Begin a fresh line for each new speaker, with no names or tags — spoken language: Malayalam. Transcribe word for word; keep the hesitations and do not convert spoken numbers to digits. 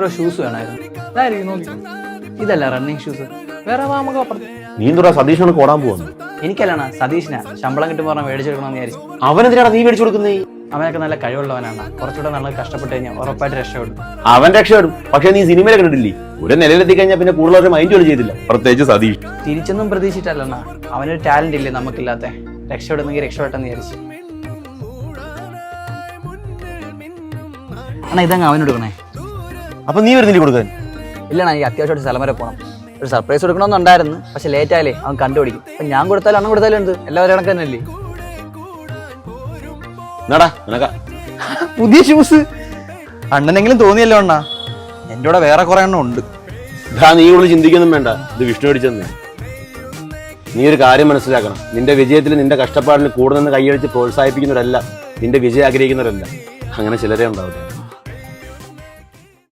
അപ്പുറം ഷൂസ് വേണമായിരുന്നു. ഇതായിരിക്കും നോക്കി. ഇതല്ല റണ്ണിങ് ഷൂസ്. വേറെ നമുക്ക് അപ്പുറത്ത്.
നീ എന്തുടാ സതീഷിനോട് ഓടാൻ പോകുന്നു?
എനിക്കല്ലാണ് സതീഷിനാ. ശമ്പളം കിട്ടും പറഞ്ഞാൽ മേടിച്ചെടുക്കണമെന്ന് വിചാരിച്ചു.
അവനെന്തിനാണ് നീ മേടിച്ചു കൊടുക്കുന്നേ?
അവനൊക്കെ നല്ല കഴിവുള്ളവനാണ്. കുറച്ചുകൂടെ നല്ല കഷ്ടപ്പെട്ട് കഴിഞ്ഞാൽ ഉറപ്പായിട്ട് രക്ഷപ്പെടും.
അവൻ രക്ഷപ്പെടും. പക്ഷെ നീ സിനിമയിലെ കണ്ടിട്ടില്ലേ, ഒരു നിലയിലെത്തി കഴിഞ്ഞാൽ പിന്നെ കൂടുതൽ മൈൻഡ് പോലും ചെയ്തില്ല, പ്രത്യേകിച്ച് സതീഷ്.
തിരിച്ചൊന്നും പ്രതീക്ഷിച്ചിട്ടല്ലണ്ണ. അവനൊരു ടാലന്റ് ഇല്ലേ നമുക്കില്ലാത്ത. രക്ഷപ്പെടുന്നെങ്കിൽ രക്ഷപ്പെട്ടെന്ന് വിചാരിച്ചു. അണ്ണാ ഇതങ്ങ് അവന് കൊടുക്കണേ.
അപ്പൊ നീ വരുന്നില്ല കൊടുക്കാൻ?
ഇല്ലണ്ണ, എനിക്ക് അത്യാവശ്യമായിട്ട് സ്ഥലം വരെ പോകണം. ഒരു സർപ്രൈസ് കൊടുക്കണമെന്നുണ്ടായിരുന്നു, പക്ഷെ ലേറ്റ് ആയാലേ അവൻ കണ്ടുപിടിക്കും. അപ്പൊ ഞാൻ കൊടുത്താലും അണ്ണൻ കൊടുത്താലും എന്ത്, എല്ലാവരും കണക്ക് തന്നെയല്ലേ. പുതിയ ഷൂസ് അണ്ണനെങ്കിലും തോന്നിയല്ലോ അണ്ണാ. എന്റെ കൂടെ വേറെ കുറെ എണ്ണം ഉണ്ട്.
നീ ഇവിടെ ചിന്തിക്കൊന്നും വേണ്ട, ഇത് വിഷ്ണു അടിച്ചെന്ന്. നീ ഒരു കാര്യം മനസ്സിലാക്കണം, നിന്റെ വിജയത്തിൽ നിന്റെ കഷ്ടപ്പാടിന് കൂടെ നിന്ന് കൈയടിച്ച് പ്രോത്സാഹിപ്പിക്കുന്നവരല്ല നിന്റെ വിജയം ആഗ്രഹിക്കുന്നവരല്ല. അങ്ങനെ ചിലരേ ഉണ്ടാവില്ല.